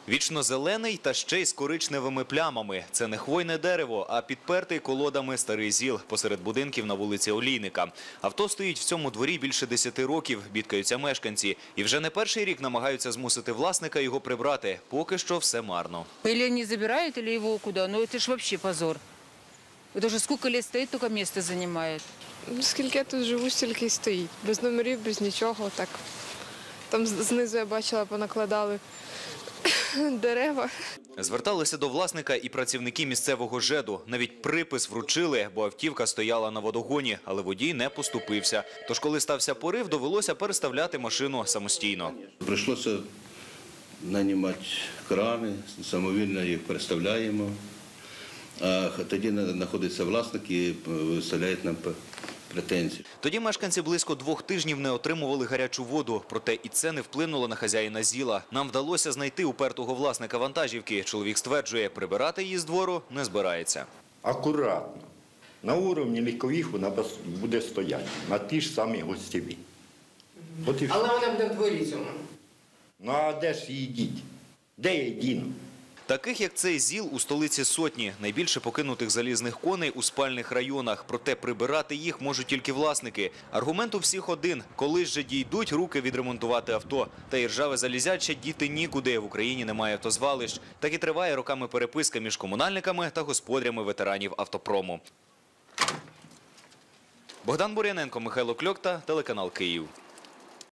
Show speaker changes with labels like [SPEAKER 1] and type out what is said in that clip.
[SPEAKER 1] Вічно зелений та ще й з коричневими плямами. Це не хвойне дерево, а підпертий колодами старий ЗІЛ посеред будинків на вулиці Олійника. Авто стоїть в цьому дворі більше 10 років, бідкаються мешканці. І вже не перший рік намагаються змусити власника його прибрати. Поки що все марно.
[SPEAKER 2] Или они забирают, или его куда. Ну это ж вообще позор. Это уже сколько лет стоит, только место занимает.
[SPEAKER 3] Скільки я тут живу, стільки й стоїть. Без номерів, без нічого. Так. Там знизу я бачила, понакладали дерева.
[SPEAKER 1] Зверталися до власника і працівники місцевого ЖЕДу. Навіть припис вручили, бо автівка стояла на водогоні, але водій не поступився. Тож, коли стався порив, довелося переставляти машину самостійно.
[SPEAKER 4] Прийшлося нанімати крани, самовільно їх переставляємо. А тоді знаходиться власник і виставляє нам претензії.
[SPEAKER 1] Тоді мешканці близько 2 тижнів не отримували гарячу воду. Проте і це не вплинуло на хазяїна ЗІЛа. Нам вдалося знайти упертого власника вантажівки. Чоловік стверджує, прибирати її з двору не збирається.
[SPEAKER 5] Акуратно. На уровні лікових вона буде стояти, на ті ж самі гостєві.
[SPEAKER 6] Але вона буде в дворі цьому.
[SPEAKER 5] Ну а де ж її діть? Де я діну?
[SPEAKER 1] Таких, як цей ЗІЛ, у столиці сотні. Найбільше покинутих залізних коней у спальних районах. Проте прибирати їх можуть тільки власники. Аргумент у всіх один – коли ж дійдуть руки відремонтувати авто. Та і ржаве залізяче діти нікуди. В Україні немає автозвалищ. Так і триває роками переписка між комунальниками та господарями ветеранів автопрому. Богдан Бур'яненко, Михайло Кльокта, телеканал «Київ».